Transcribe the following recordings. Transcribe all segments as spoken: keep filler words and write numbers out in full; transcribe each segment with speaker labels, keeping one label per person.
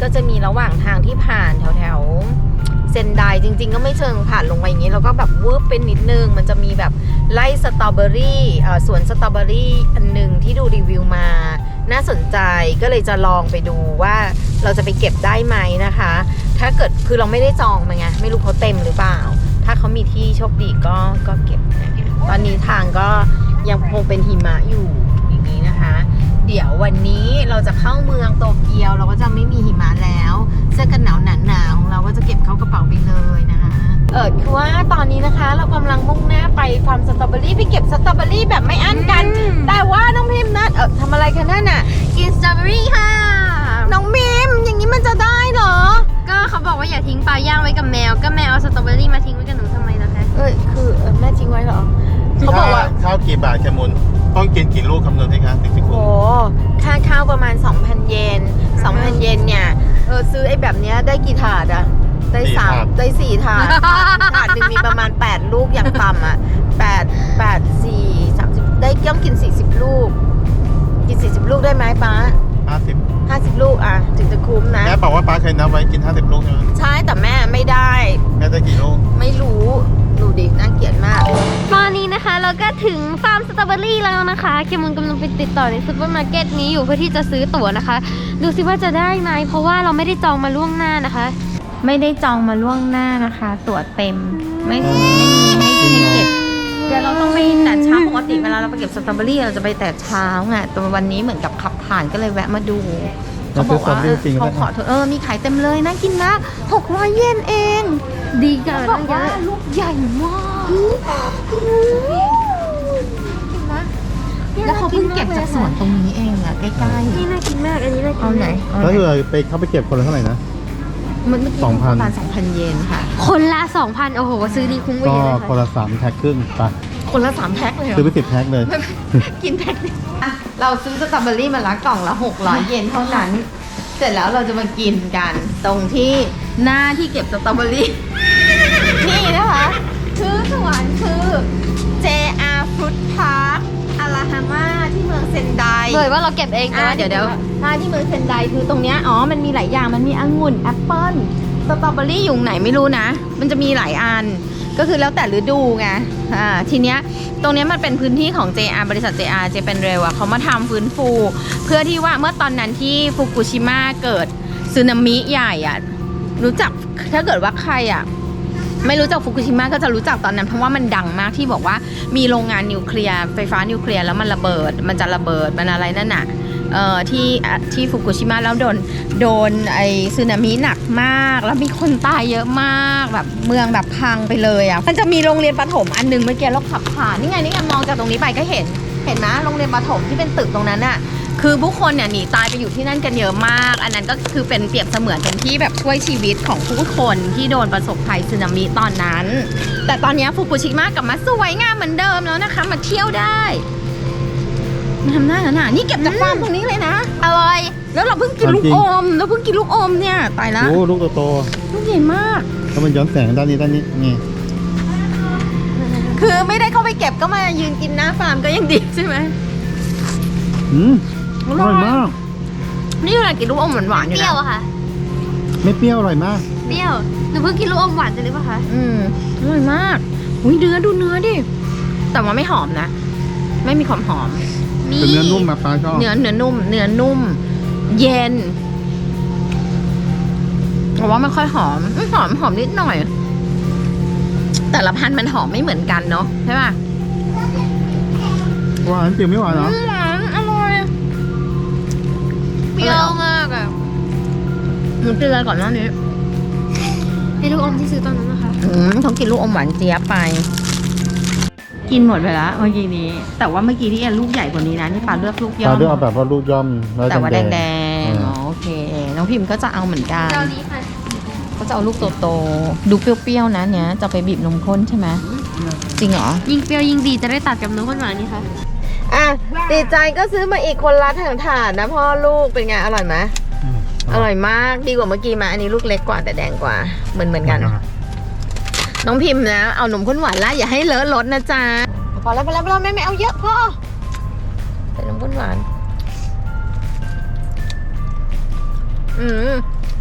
Speaker 1: ก็จะมีระหว่างทางที่ผ่านแถวแถวเซนไดจริงๆก็ไม่เชิงผ่านลงไปอย่างนี้แล้วก็แบบวืบเป็นนิดนึงมันจะมีแบบไร่สตรอเบอรี่สวนสตรอเบอรี่อันหนึ่งที่ดูรีวิวมาน่าสนใจก็เลยจะลองไปดูว่าเราจะไปเก็บได้ไหมนะคะถ้าเกิดคือเราไม่ได้จองมาไงไม่รู้เขาเต็มหรือเปล่าถ้าเขามีที่โชคดีก็ก็เก็บนะตอนนี้ทางก็ยังคงเป็นหิมะอยู่อย่างนี้นะคะเดี๋ยววันนี้เราจะเข้าเมืองโตเกียวเราก็จะไม่มีหิมะแล้วเสื้อกันหนาวหนาๆของเราก็จะเก็บเข้ากระเป๋าไปเลยนะคะเออคือว่าตอนนี้นะคะเรากำลังมุ่งหน้าไปฟาร์มสตรอเบอรี่ไปเก็บสตรอเบอรี่แบบไม่อั้นกันแต่ว่าน้องพิมพ์นะเออทำอะไรกันนั่นน่ะกินสตรอเบอรี่ค่ะน้องพิมพ์อย่างนี้มันจะได้เหรอ
Speaker 2: ก็เขาบอกว่าอย่าทิ้งปลาย่างไว้กับแมวก็แมวเอาสตรอเบอรี่มาทิ้งไว้กับหนูทำไมล่ะคะ
Speaker 1: เอ้ยคือแม่ทิ้งไว้เหรอเขาบอกว่า
Speaker 3: ข้าวกี่บาทแคมุนต้องกินกี่ลูกคำนวณให้คะถึงจะคุ้ม
Speaker 1: โอ้ค่าข้าวประมาณ สองพัน เยน สองพัน เยนเนี่ยเออซื้อไอ้แบบเนี้ยได้กี่ถาดอะได้สามได้สี่ถาดถาดหนึ่งมีประมาณแปดลูกอย่างต่ำอะแปด แปด สี่ สามสิบได้ต้องกินสี่สิบลูกกินสี่สิบลูกได้ไหมป้า
Speaker 3: ห้าสิบ
Speaker 1: ห้าสิบลูกอะถึงจะคุ้มนะ
Speaker 3: แม่บอกว่าป้าเคยนับไว้กินห้าสิบลูกใช่ไหม
Speaker 1: ใช่แต่แม่ไม่ได้
Speaker 3: แม่ได้กี่ลูก
Speaker 1: ไม่รู้ดูดิน่าเกลียดมาก
Speaker 2: ตอนนี้นะคะเราก็ถึงฟาร์มสตรอเบอรี่แล้วนะคะเคมุนกำลังไปติดต่อในซูเปอร์มาร์เก็ตนี้อยู่เพื่อที่จะซื้อตั๋วนะคะดูสิว่าจะได้ไหมเพราะว่าเราไม่ได้จองมาล่วงหน้านะคะไม่ได้จองมาล่วงหน้านะคะตั๋วเต็มไม่ไม่มีให้ให้เก็บ
Speaker 1: เดี๋ยวเราต้องไปแต่เช้าปกติเวลาเราไปเก็บสตรอเบอรี่เราจะไปแต่เช้าไงแต่วันนี้เหมือนกับขับผ่านก็เลยแวะมาดูเขาบอกว่าเขาขอเออมีขายเต็มเลยน่ากินมากหกร้อยเยนเอง
Speaker 2: ดีกัน
Speaker 1: เขาบอกว่าลูกใหญ่มากแล้วเขาเพิ่งเก็บจากสวนตรงนี้เองอะใกล้ๆ
Speaker 2: นี่น่ากินมากอันนี้น่ากิน
Speaker 1: เอาไหน
Speaker 3: แล้วคือไปเข้าไปเก็บคนละเท่าไหร่นะ
Speaker 1: มันเมื่อกี้ประมาณสองพันเยนค่ะ
Speaker 2: คนละสองพันโอ้โหซื้อดีคุ้มกว่าเยอะเลยค่ะ
Speaker 3: ก็คนละสามแพ็คครึ่งไป
Speaker 1: คนละสามแพ็คเลยเหรอ
Speaker 3: ซื้อไปสิบแพ็คเลย
Speaker 1: กินแพ็คเราซื้อสตรอเบอรี่มาละกล่องละหกร้อยเยนเท่านั้นเสร็จแล้วเราจะมากินกันตรงที่หน้าที่เก็บสตรอเบอรี่นี่นะคะชื่อสวนคือ เจ อาร์ Fruit Park อาราฮาม่าที่เมืองเซนได
Speaker 2: เลยว่าเราเก็บเอง
Speaker 1: อ่ะเดี๋ยวเดี๋ยวถ้าที่เมืองเซนไดคือตรงเนี้ยอ๋อมันมีหลายอย่างมันมีองุ่นแอปเปิ้ลสตรอเบอรี่อยู่ไหนไม่รู้นะมันจะมีหลายอันก็คือแล้วแต่ฤดูไงอ่าทีเนี้ยตรงเนี้ยมันเป็นพื้นที่ของ เจ อาร์ บริษัท เจ อาร์ เจเป็นเรลอะเขามาทำฟื้นฟูเพื่อที่ว่าเมื่อตอนนั้นที่ฟุกุชิมะเกิดสึนามิใหญ่อะรู้จักถ้าเกิดว่าใครอะไม่รู้จักฟุกุชิมะก็จะรู้จักตอนนั้นเพราะว่ามันดังมากที่บอกว่ามีโรงงานนิวเคลียร์ไฟฟ้านิวเคลียร์แล้วมันระเบิดมันจะระเบิดมันอะไรนั่นน่ะเอ่อที่ที่ฟุกุชิมะแล้วโดนโดนไอสึนามิหนักมากแล้วมีคนตายเยอะมากแบบเมืองแบบพังไปเลยอ่ะมันจะมีโรงเรียนประถมอันนึงเมื่อกี้เราขับผ่านนี่ไงนี่ไงมองจากตรงนี้ไปก็เห็นเห็นไหมโรงเรียนประถมที่เป็นตึกตรงนั้นน่ะคือผู้คนเนี่ยหนีตายไปอยู่ที่นั่นกันเยอะมากอันนั้นก็คือเป็นเปรียบเสมือนเป็นที่แบบช่วยชีวิตของผู้คนที่โดนประสบภัยสึนามิตอนนั้นแต่ตอนนี้ฟุกุชิมะกลับมาสวยงามเหมือนเดิมแล้วนะคะมาเที่ยวได้มาทำหน้าหนานี่เก็บจากฟาร์มตรงนี้เลยนะอร่อยแล้วเราเพิ่งกินลูกอมเราเพิ่งกินลูกอมเนี่ยตายแล้ว
Speaker 3: โอ้ลูกโต
Speaker 1: ลูกใหญ่มาก
Speaker 3: ถ้ามันย้อนแสงด้านนี้ด้านนี้นี่
Speaker 1: คือไม่ได้เข้าไปเก็บก็มายืนกินหน้าฟาร์มก็ยังดีใช่ไหม
Speaker 3: อืมอร่อยมาก
Speaker 1: นี่อะไรกินลูกอมหวานๆอยู่นะ
Speaker 2: เปรี้ยวอะค่ะ
Speaker 3: ไม่เปรี้ยวอร่อยมาก
Speaker 2: เปรี้ยวหนูเพิ่งกินลูกอมหวานจะหรือเปล่าคะ
Speaker 1: อืมอร่อยมากอุ้ยเนื้อดูเนื้อดิแต่ว่าไม่หอมนะไม่มีความหอม
Speaker 3: เป็นเนื้อนุ่มมาปลาชอบ
Speaker 1: เนื้อเนื้อนุ่มเนื้อนุ่มเย็นแต่ว่าไม่ค่อยหอมหอมหอมนิดหน่อยแต่ละพันธุ์มันหอมไม่เหมือนกันเนาะใช่ป่ะ
Speaker 3: หวานจริงไม่หวานเหรอ
Speaker 1: หวานอร่อย
Speaker 2: เปรี้ยวมากอะ
Speaker 1: หนูกินอะไรก่อนหน้านี้
Speaker 2: ไอ้ลูกอมที่ซื้อตอนนั้นนะคะ
Speaker 1: อืมเขากินลูกอมหวานเจี๊ยบไปกินหมดไปแล้วเมื่อกี้นี้แต่ว่าเมื่อกี้ที่แอนลูกใหญ่กว่านี้นะนี่ปลาเลือกลูกย่อม
Speaker 3: ปลาเลือกเอาแบบว่าลูกย่อม
Speaker 1: แต่ว่าแดงๆอ๋อโอเคน้องพิมก็จะเอาเหมือนกันก็จะเอาลูกโตๆดูเปรี้ยวๆนะเนี้ยจะไปบีบนมข้นใช่ไหมจริงเหรอ
Speaker 2: ยิ่งเปรี้ยวยิ่งดีจะได้ตัดกับนมข้นหวานนี่ค่ะ
Speaker 1: อ่ะติดใจก็ซื้อมาอีกคนละถังถาดนะพ่อลูกเป็นไงอร่อยไหมอร่อยมากดีกว่าเมื่อกี้มาอันนี้ลูกเล็กกว่าแต่แดงกว่าเหมือนเหมือนกันน้องพิมพ์นะเอานมข้นหวานละอย่าให้เลอะรสนะจ๊ะพอแล้วพอแล้วพอแล้วแม่ไม่เอาเยอะพ่อเป็นนมข้นหวานอืม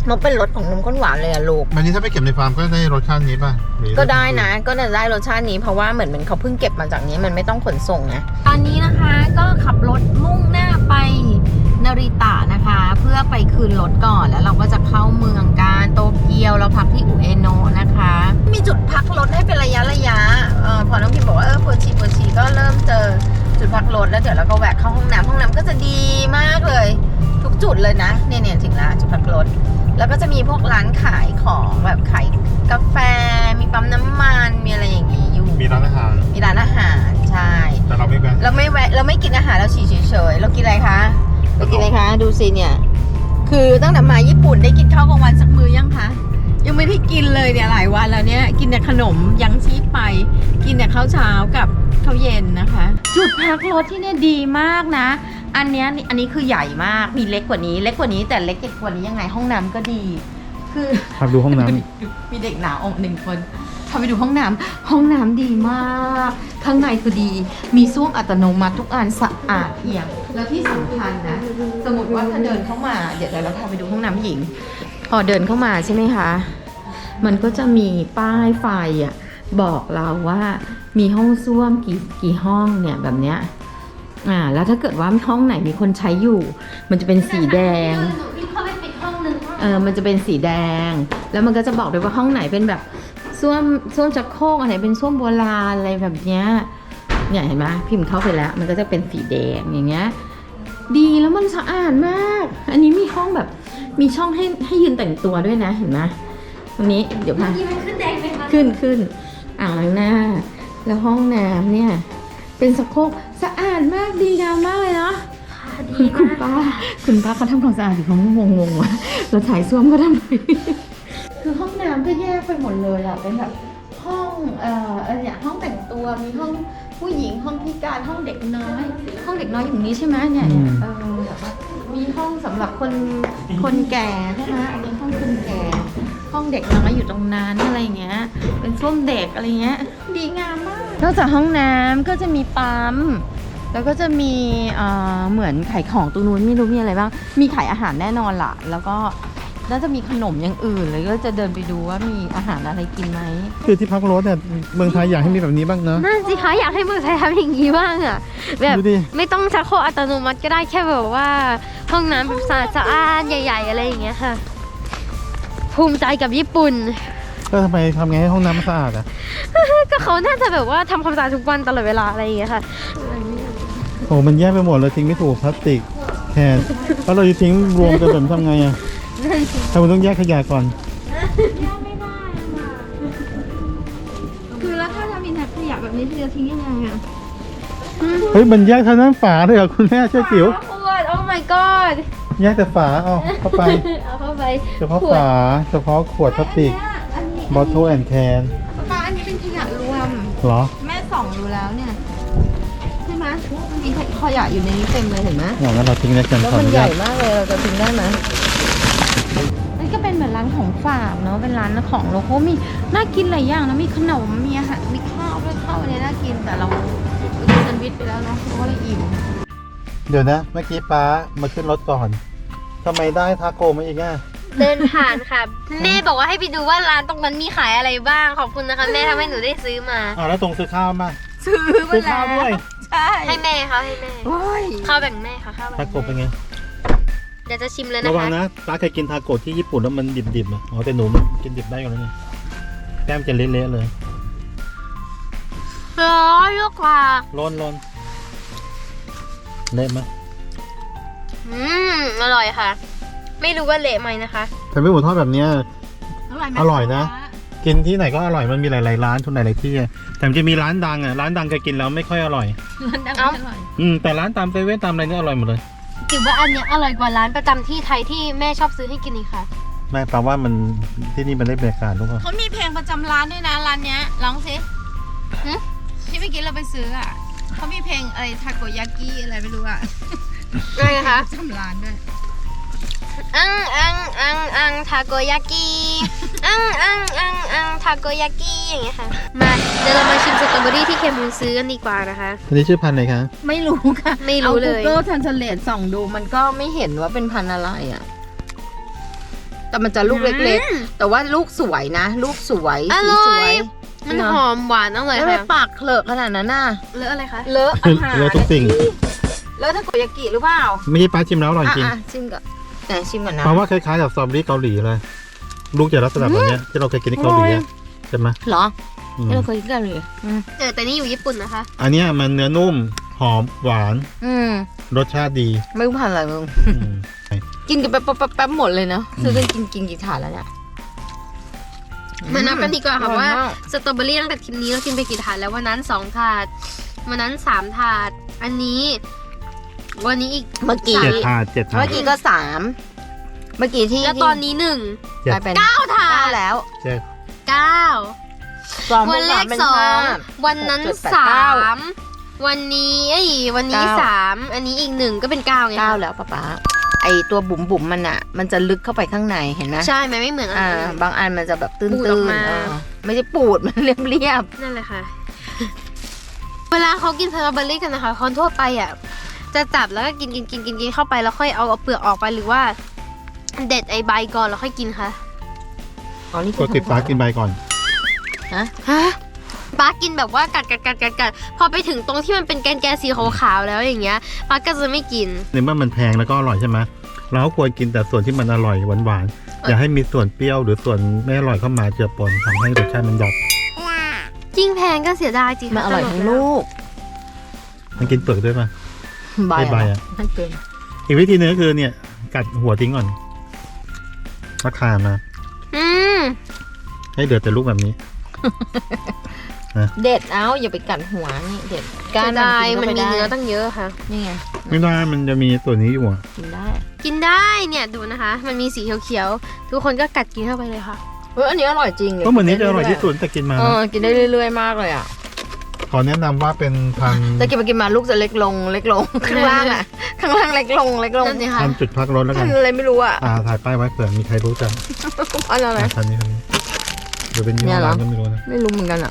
Speaker 1: นกเป็นรสของนมข้นหวานเลยอะลูก
Speaker 3: อันนี้ถ้าไปเก็บในฟาร์มก็ได้รสชาตินี้ป่ะหรือ
Speaker 1: ก็ได้นะก็จะได้รสชาตินี้เพราะว่าเหมือนมันเขาเพิ่งเก็บมาจากนี้มันไม่ต้องขนส่งนะตอนนี้นะคะก็ขับรถมุ่งหน้าไปนาริตะนะคะ เพื่อไปคืนรถก่อนแล้วเราก็จะเข้าเมืองกันโตเกียวเราพักที่อุเอโนะนะคะ มีจุดพักรถให้เป็นระยะระยะเออพอน้องพิมบอกว่าเออปวดฉี่ปวดฉี่ก็เริ่มเจอจุดพักรถแล้วเดี๋ยวเราก็แวะเข้าห้องน้ำห้องน้ำก็จะดีมากเลยทุกจุดเลยนะเนี่ยเนี่ยถึงแล้วจุดพักรถแล้วก็จะมีพวกร้านขายของแบบขายกาแฟมีปั๊มน้ำมันมีอะไรอย่างงี้อยู่
Speaker 3: มีร้านอาหาร
Speaker 1: มีร้านอาหารใช่
Speaker 3: แต่เราไม่แวะ
Speaker 1: เราไม่แวะเราไม่กินอาหารเราฉี่เฉยๆเรากินอะไรคะเรากินอะไรคะดูสิเนี่ยคือตั้งแต่มาญี่ปุ่นได้กินข้าวกลางวันสักมื้อยังคะยังไม่ได้กินเลยเนี่ยหลายวันแล้วเนี่ยกินแต่ขนมยังชีพไปกินแต่ข้าวเช้ากับข้าวเย็นนะคะจุดพักรถที่เนี่ยดีมากนะอันเนี้ยอันนี้คือใหญ่มากมีเล็กกว่านี้เล็กกว่านี้แต่เล็กกว่านี้ยังไงห้องน้ำก็ดีคือ
Speaker 3: พาดูห้องน้
Speaker 1: มีเด็กหนาวออกหนึ่งคนพาไปดูห้องน้ำห้องน้ำดีมากข้างในคือดีมีส้วมอัตโนมัติทุกอันสะอาดเอี่ยมแล้วที่สำคัญนะสมมติว่าถ้าเดินเข้ามาเดี๋ยวเราพาไปดูห้องน้ำหญิงพอเดินเข้ามาใช่ไหมคะมันก็จะมีป้ายไฟอ่ะบอกเราว่ามีห้องส้วมกี่กี่ห้องเนี่ยแบบเนี้ยอ่าแล้วถ้าเกิดว่าห้องไหนมีคนใช้อยู่มันจะเป็นสีแดง
Speaker 2: หนูวิ่งเข้าไปปิดห้องนึง
Speaker 1: เออมันจะเป็นสีแดงแล้วมันก็จะบอกด้วยว่าห้องไหนเป็นแบบส้วมส้วมชักโครกอันไหนเป็นส้วมโบราณอะไรแบบเนี้ยเนี่ยเห็นไหมพิมพ์เข้าไปแล้วมันก็จะเป็นสีแดงอย่างเงี้ยดีแล้วมันสะอาดมากอันนี้มีห้องแบบมีช่องให้ให้ยืนแต่งตัวด้วยนะเห็นไหมตรงนี้เดี๋ยวพา
Speaker 2: นี่มันขึ้นแดงไหมคะ
Speaker 1: ขึ้นขึ้นอ่างล้างหน้าแล้วห้องน้ำเนี่ยเป็นชักโครกสะอาดมากดีงามมากเลยเนาะ
Speaker 2: ดี
Speaker 1: คุณ
Speaker 2: มาก
Speaker 1: ป้าคุณป้าเขาทำความสะอาดอยู่เขางงงๆว่ะเราถ่ายส้วมก็ทำไม คือห้องน้ำก็แยกไปหมดเลยอะเป็นแบบห้องเอ่ออะไรอย่างห้องแต่งตัวมีห้องผู้หญิงห้องพิการห้องเด็กน้อย ห้องเด็กน้อยอยู่นี้ใช่ไหมเนี่ยเนี่ยเออแบบว่ามีห้องสำหรับคนคนแก่ใช่ไหมอันนี้ห้องคนแก่ ห้องเด็กน้อยอยู่ตรงนั้นอะไรเงี้ยเป็นส้วมเด็กอะไรเงี้ยดีงามมากนอกจากห้องน้ำก็จะมีปั๊ม แล้วก็จะมีเอ่อเหมือนขายของตรงนู้นไม่รู้มีอะไรบ้าง มีขายอาหารแน่นอนล่ะ แล้วก็น่าจะมีขนมอย่างอื่นเลยก็จะเดินไปดูว่ามีอาหารอะไรกินไหม
Speaker 3: ำคือที่พักรถเนี่ยเมืองไทยอยากให้มีแบบนี้บ้างเนอะ
Speaker 2: นั่นสิคะอยากให้เมืองไทยทำอย่างนี้บ้างอะแบบ
Speaker 3: ดูดิ
Speaker 2: ไม่ต้องชักโครกอัตโนมัติก็ได้แค่แบบว่าห้องน้ำแบบสะอาดสะอาดใหญ่ๆอะไรอย่างเงี้ยค่ะ ภูมิใจกับญี่ปุ่น
Speaker 3: ก็ทำไมทำไงให้ห้องน้ำมันสะอาดอ่ะ
Speaker 2: ก็เขาน่าจะแบบว่าทำความสะอาดทุกวันตลอดเวลาอะไรอย่างเงี้ยค่ะ
Speaker 3: โอ้มันแยกไปหมดเลยทิ้งไม่ถูกพลาสติกแทนแล้วเราจะทิ้งรวมกันแบบนี้ทำไงอ่ะทำไมต้องแยกขยะก่อน
Speaker 1: คือแล้วถ้าจะมีถังขยะแบบนี้จะทิ้งยังไงอ่ะ
Speaker 3: เฮ้ยมันแยกทางด้านฝาเลยเหรอคุณแม่เชื่อจิ๋ว
Speaker 2: ขวด โอ้ my god
Speaker 3: แยกแต่ฝาเอาเข้าไป
Speaker 2: เอาเข้าไป
Speaker 3: เฉพาะฝาเฉพาะขวดพลาสติก
Speaker 1: อันนี้
Speaker 3: บอทเทิลแอนด์แคน
Speaker 1: ป้าอันนี้เป็นขยะรวม
Speaker 3: เหรอ
Speaker 1: แม่ส่องดูแล้วเนี่ยใช่ไหมมีขยะอยู่ในนี้เต็มเลยเห็นไหม
Speaker 3: อย่างนั้นเราทิ้งในกัน
Speaker 1: แล้ว
Speaker 3: ขออ
Speaker 1: มัน
Speaker 3: นุ
Speaker 1: ให
Speaker 3: ญา
Speaker 1: ญ่
Speaker 3: ต
Speaker 1: มากเลยเราจะทิ้งได้ไหมนี่ก็เป็นเหมือนร้านของฝากเนาะเป็นร้านของโลโก้มีน่ากินหลายอย่างนะมีขนมมีอาหารมีข้าวด้วยข้าวอันนี้น่ากินแต่เรากินแซนด์วิชไปแล้วเนาะเพราะว่าเราอิ่ม
Speaker 3: เดี๋ยวนะ เมื่อกี้ป้ามาขึ้นรถก่อนทำไมได้ทาโกมาอีกอ่ะ
Speaker 2: เดินผ่านค่ะ แม่บอกว่าให้ไปดูว่าร้านตรงนั้นมีขายอะไรบ้าง ขอบคุณนะคะ แม่ทำให้หนูได้ซื้อมา
Speaker 3: อ่าแล้วตรงซื้อข้าวมา
Speaker 1: ซื้อมา
Speaker 3: ซื้อ
Speaker 1: แล้
Speaker 3: ข้าวด้วย
Speaker 1: ใช่
Speaker 2: ให้แม่เขาให้แม่
Speaker 1: โอ้ย
Speaker 2: ข้าวแบ่งแม่ค่ะข้าวแบ่ง
Speaker 3: ทาโกเป็นไง
Speaker 2: เดี๋ยวจะชิมเลยนะ
Speaker 3: ระวัง
Speaker 2: คะ
Speaker 3: นะป้าเคยกินทาโกที่ญี่ปุ่นแล้วมันดิบๆอ่ะอ๋อแต่หนูมันกินดิบได้อยู่แล้วนี่แก้มจะเละๆเลย
Speaker 2: ร้อยลูกกว่า
Speaker 3: ร้อนๆเละไหม
Speaker 2: อืมอร่อยค่ะ ไม่รู้ว่าเละไหมนะคะ
Speaker 3: แต่ไม่หมูทอดแบบเนี้ย
Speaker 1: อร่อยไหม
Speaker 3: อร่อยนะ กินที่ไหนก็อร่อยมันมีหลายๆร้านทุนหลายๆที่อะแต่มันจะมีร้านดังอ่ะร้านดังเคยกินแล้วไม่ค่อยอร่อย
Speaker 1: ร้านดัง
Speaker 2: เอ้า
Speaker 1: อร่อย
Speaker 3: อืมแต่ร้านตามเซเว่นตามอะไรเนี่ยอร่อยหมดเลย
Speaker 2: ถือว่าอันเนี้ยอร่อยกว่าร้านประจำที่ไทยที่แม่ชอบซื้อให้กินอีกค่ะ
Speaker 3: ไม่แปลว่ามันที่นี่มันได้บรรยากาศทุกคน
Speaker 1: เขามีเพลงประจำร้านด้วยนะร้านเนี้ยร้องสิ
Speaker 2: หึ
Speaker 1: ที่เมื่อกี้เราไปซื้ออ่ะเขามีเพลงอะไรทาโกยากิอะไรไม่รู้อ่ะ
Speaker 2: อะไรคะ
Speaker 1: ประจำร้านด้วย
Speaker 2: อังอังอังอังทาโกยากิอังอังอังอังทาโกยากิอย่างเงี้ยค่ะมาเดี๋ยวเรามาชิมสตรอเบอรี่ที่เคมูลซื้อกันดีกว่านะคะ
Speaker 3: อันนี้ชื่อพันธุ์อะไรคะ
Speaker 1: ไม่รู้ค่ะ
Speaker 2: ไม่รู้เลย
Speaker 1: เอา Google Translate ส่องดูมันก็ไม่เห็นว่าเป็นพันธุ์อะไรอ่ะ ตแต่มันจะลูกเล็กๆ แต่ว่าลูกสวยนะ ลูกสวย
Speaker 2: อ
Speaker 1: สี
Speaker 2: ร่
Speaker 1: ส
Speaker 2: อ
Speaker 1: วย ย
Speaker 2: มันหอมหวานอร่อย
Speaker 1: แล้วทำไม
Speaker 2: ค่ะ
Speaker 1: ปากเคลอะขนาดนั้นน่ะ
Speaker 2: เลอะอะไรคะ
Speaker 1: เลอะอาหาร
Speaker 3: เลอะทุกสิ่ง
Speaker 1: เลอะทาโกยากิหรือเปล่า
Speaker 3: ไม่ใช่ป้าชิมแล้วอร่อยจริง
Speaker 1: อ่ะๆชิมก่อนไหนชิมก่อนนะ
Speaker 3: เพราะว่าคล้ายๆกับสตรอเบอรี่เกาหลีเลย ลูกจะลักษณะแบบเนี้ยที่เราเคยกินที่เกาหลีอะใช่ไหม
Speaker 1: เหรอ
Speaker 3: อืม
Speaker 1: ที่เราเคยกินกันเลยอืม
Speaker 2: เออแต่นี่อยู่ญี่ปุ่นนะคะ
Speaker 3: อันเนี้ยมันเนื้อนุ่มหอมหวาน
Speaker 1: อืม
Speaker 3: รสชาติดี
Speaker 1: ไม่รู้พันอะไรมึง
Speaker 3: อืม
Speaker 1: กินกันแป๊บแป๊บแป๊บหมดเลยเนาะ
Speaker 3: อืม
Speaker 1: ซื้อกันกินกินกี่ถาดแล้วเนี่ย
Speaker 2: มานับกันดีกว่าค่ะ
Speaker 1: อร่อย
Speaker 2: ว่า
Speaker 1: มาก
Speaker 2: สตรอเบอรี่ตั้งแต่ทริปนี้เรากินไปกี่ถาดแล้ววันนั้นสองถาดวันนั้นสามถาด อันนี้ วันนี้อีก
Speaker 1: เมื่อกี้
Speaker 3: เจ็ดถาดเจ็ดถา
Speaker 1: เมื่
Speaker 3: ด
Speaker 1: อกี้ก็สามเมื่อกี้ที่
Speaker 2: แล้วตอนนี้หนึ่ง
Speaker 3: เจ็ด
Speaker 1: กลายเป็น
Speaker 2: เก้าถา
Speaker 1: เก้า
Speaker 2: ด
Speaker 1: แล้ว
Speaker 3: เจ็ด
Speaker 2: เก้า
Speaker 1: สอง
Speaker 2: วันแรก
Speaker 1: เป็น
Speaker 2: สอง
Speaker 1: ห้า
Speaker 2: วันนั้น
Speaker 1: หกเจ็ดแปด
Speaker 2: สา
Speaker 1: เก้า
Speaker 2: มวันนี้เอ้ยวันนี้
Speaker 1: เก้า
Speaker 2: สามอันนี้อีกหนึ่งก็เป็นเก้าไง
Speaker 1: เก้า
Speaker 2: คะ
Speaker 1: แล้วป๊าป๊าไอตัวบุ๋มบุ๋มๆมันอะมันจะลึกเข้าไปข้างในเห็นไหม
Speaker 2: ใช่มันไม่เหมือนอัน
Speaker 1: อ่า
Speaker 2: อื่น
Speaker 1: บางอันมันจะแบบตื้น
Speaker 2: ปูด
Speaker 1: ๆ
Speaker 2: ออกมา
Speaker 1: เออไม่ใช่ปูด มันเรียบเรียบ
Speaker 2: นั่นแหละค่ะ เวลาเขากินสตรอเบอรี่กันนะคะคนทั่วไปอ่ะจะจับแล้วก็กินกินกินกินกินเข้าไปแล้วค่อยเอาเอาเปลือกออกไปหรือว่า เด็ดไอใบก่อนแล้วค่อยกินค่ะ
Speaker 1: ๆอ๋อนี่
Speaker 3: ก็ติดฟ้ากินใบก่อน
Speaker 1: ฮะ
Speaker 2: ฮะป้ากินแบบว่ากัดกัดกัดกัดกัดพอไปถึงตรงที่มันเป็นแกนแกนสีขาวๆแล้วอย่างเงี้ยป้าก็จะไม่กิน
Speaker 3: ในเมื่อมันแพงแล้วก็อร่อยใช่ไหมเราก็ควรกินแต่ส่วนที่มันอร่อยหวานๆอย่าให้มีส่วนเปรี้ยวหรือส่วนไม่อร่อยเข้ามาเจือปนทำให้รสชาติมันหยับ
Speaker 2: ยิ่งแพงก็เสียดายจริง
Speaker 1: มัน
Speaker 2: ค่ะ
Speaker 1: อร่อย
Speaker 2: ต
Speaker 1: ทั้ง
Speaker 2: แว
Speaker 1: ลูก
Speaker 3: มันกินเปลือกด้วยป่ะ
Speaker 1: ใบ
Speaker 3: ไม่ใบอะ
Speaker 1: ไม่เป็น
Speaker 3: อีกวิธีหนึงก็คือเนี่ยกัดหัวทิ้งก่อนราคามา
Speaker 2: อืม
Speaker 3: ให้เดือดแต่ลูกแบบนี้
Speaker 1: เด็ดเอาอย่าไปกัดหัวนี่เด็ด
Speaker 2: เสียดาย
Speaker 1: กิ
Speaker 2: มันมี
Speaker 1: ข้าไป
Speaker 2: เนื้อ
Speaker 1: ได้
Speaker 2: ตั้งเยอะค่ะ
Speaker 1: นี่ไง
Speaker 3: ไม่ได้มันจะมีตัวนี้อยู่อ่ะ
Speaker 1: กินได้
Speaker 2: กินได้เนี่ยดูนะคะ มันมีสีเขียวๆทุกคนก็กัดกินเข้าไปเลยค่ะ
Speaker 1: เฮ้ยอันนี้อร่อยจริง
Speaker 3: ก็เหมือนนี้จะอร่อยที่สุดแต่กินมา
Speaker 1: เอ
Speaker 3: นะ
Speaker 1: อกินได้เรื่อยๆมากเลยอ่ะ
Speaker 3: ขอแนะนำว่าเป็นพันธุ์
Speaker 1: แต่กินไปกินมาลูกจะเล็กลงเล็กลง ข้างล่างอ่ะ ข้างล่างเล็กลงเล็กลง
Speaker 2: นั่นสิค่ะ
Speaker 3: พันธุ์จุดพักรถแล้วกั
Speaker 1: พั
Speaker 3: น
Speaker 1: นอะไรไม่รู้อ่ะ
Speaker 3: อ่าถ่ายป้ายไว้เผื่อมีใครรู้จัก
Speaker 1: พันอะไร
Speaker 3: อ่าพันธุ์นี้พันธุ์นี้หรือเป็นยี่
Speaker 1: เนี่
Speaker 3: ห้อย
Speaker 1: เหรอ
Speaker 3: ร้านก็ไม่รู้นะ
Speaker 1: ไม่รู้เหมือนกันอ่ะ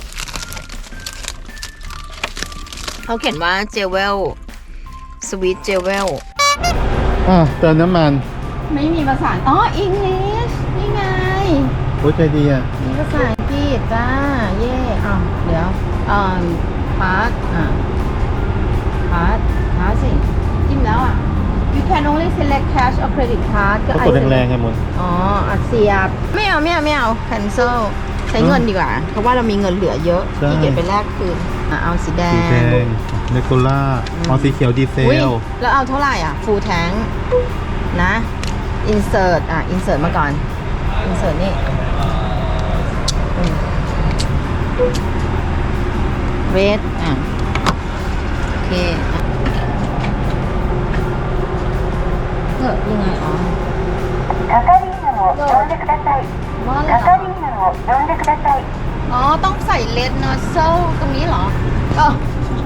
Speaker 1: เขาเขียนว่าเจเวลสวีทเจเวล
Speaker 3: อ่าเติมน้ำมัน
Speaker 1: ไม่มีภาษาอ๋ออังกฤษนี่ไง
Speaker 3: โอ้ยใจดีอ่ะ
Speaker 1: มีภาษาอังกฤษจ้า เย่อ้าวเดี๋ยวอ่าพาร์ทอ่าพาร์ทพาร์ทสิจิ้มแล้วอ่ะ you can only select cash or credit card ก็
Speaker 3: ก็
Speaker 1: ไอก
Speaker 3: ดแรงๆไงมน
Speaker 1: อ๋ออัดเสียบ ไม่เอาไม่เอาไม่เอา cancel ใช้เงินดีกว่า เพราะว่าเรามีเงินเหลือเยอะ
Speaker 3: ใช่
Speaker 1: ที่เก็บไปแลกคืนอ่ะเอาสีแด
Speaker 3: สี
Speaker 1: ง
Speaker 3: แดงเนโคล่าอ๋อสีเขียวดีเซ
Speaker 1: อุ๊ย
Speaker 3: ล
Speaker 1: แล้วเอาเท่าไหร่อ่ะ full tank นะ insert อ่ะ insert มาก่อน insert นี่อืม red อ่ะ โอเคอ่ะเออยังไงอ๋อ
Speaker 4: 係員を呼んでください。
Speaker 1: ว่าอะไร
Speaker 4: 係
Speaker 1: เหรอ
Speaker 4: 員を呼んでください。
Speaker 1: อ๋อ ต้องใส่ red nozzle ตรงนี้เหรอเออ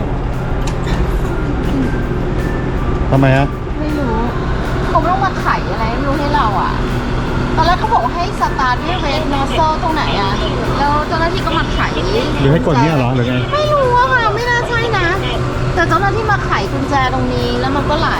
Speaker 3: ทำไมฮะ
Speaker 1: ไม่รู้เขาต้องมาไขอะไรไม่รู้ให้เราอ่ะ ตอนแรกเขาบอกว่าให้สตาร์ทด้วย red nozzle ตรงไหนอ่ะ แล้วเจ้าหน้าที่ก็มาไข
Speaker 3: หรือให้กดเนี่ยเหรอหรือไง
Speaker 1: ไม่รู้อะค่ะ ไม่น่าใช่นะ แต่เจ้าหน้าที่มาไขกุญแจตรงนี้แล้วมันก็ไหล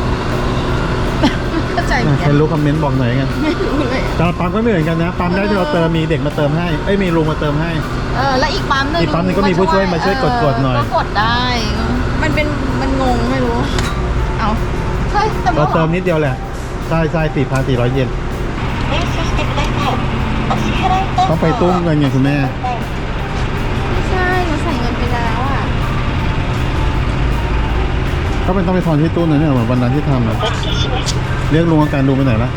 Speaker 1: เข้าใจไหม
Speaker 3: ใครรู้คอมเมนต์บอกหน่อยกัน
Speaker 1: ไม่รู้เลย
Speaker 3: แต่ละปั๊มก็ไม่เหมือนกันนะ ปั๊มได้ที่เราเติมมีเด็กมาเติมให้ เอ้ยมีลุงมาเติมให้
Speaker 1: เออ แล้วอีกปั๊มหนึง
Speaker 3: อีกปั๊มหนึ่งก็มีผู้ช่วยมาช่วยกดกดหน่อย
Speaker 1: ก็กดได้ มันเป็น มันงงไม่รู้ เอาเฮ้ยแต่
Speaker 3: เรา
Speaker 1: ว่า
Speaker 3: เติมนิดเดียวแหละ ใช่ใช่สี่พันสี่ร้อยเยน
Speaker 4: 入手してください。お支払い
Speaker 3: ต้องไปตู้เงินไงคุณแม่
Speaker 1: ไม่ใช่หนูใส่เงินไปแล้วอ่ะ
Speaker 3: ก็เป็นต้องไปทอนที่ตู้นั้นเนี่ยเหมือนวันนั้นที่ทำอะเรียกลุงอาการลุงไปไหนละ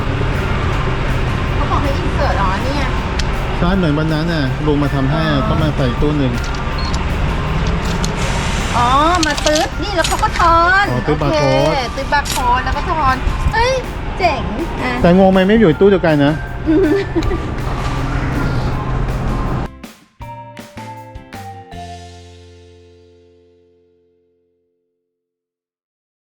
Speaker 1: เขาบอกให้อินเสิร์ตอ๋อเนี่ย
Speaker 3: ใช่เหมือนวันนั้นน่ะลุงมาทำให้ต้องมาใส่ตู้หนึ่ง
Speaker 1: อ๋อ มาตื้ดนี่แล้วเขาก็ทอน
Speaker 3: อ๋อตื้อบาร์โค้ด
Speaker 1: โอเคตื้อบาร์โค้ดแล้วก็ทอน เอ้ย เจ๋งอ่ะ
Speaker 3: แต่งงไหมไม่อยู่ตู้เดียวกันนะ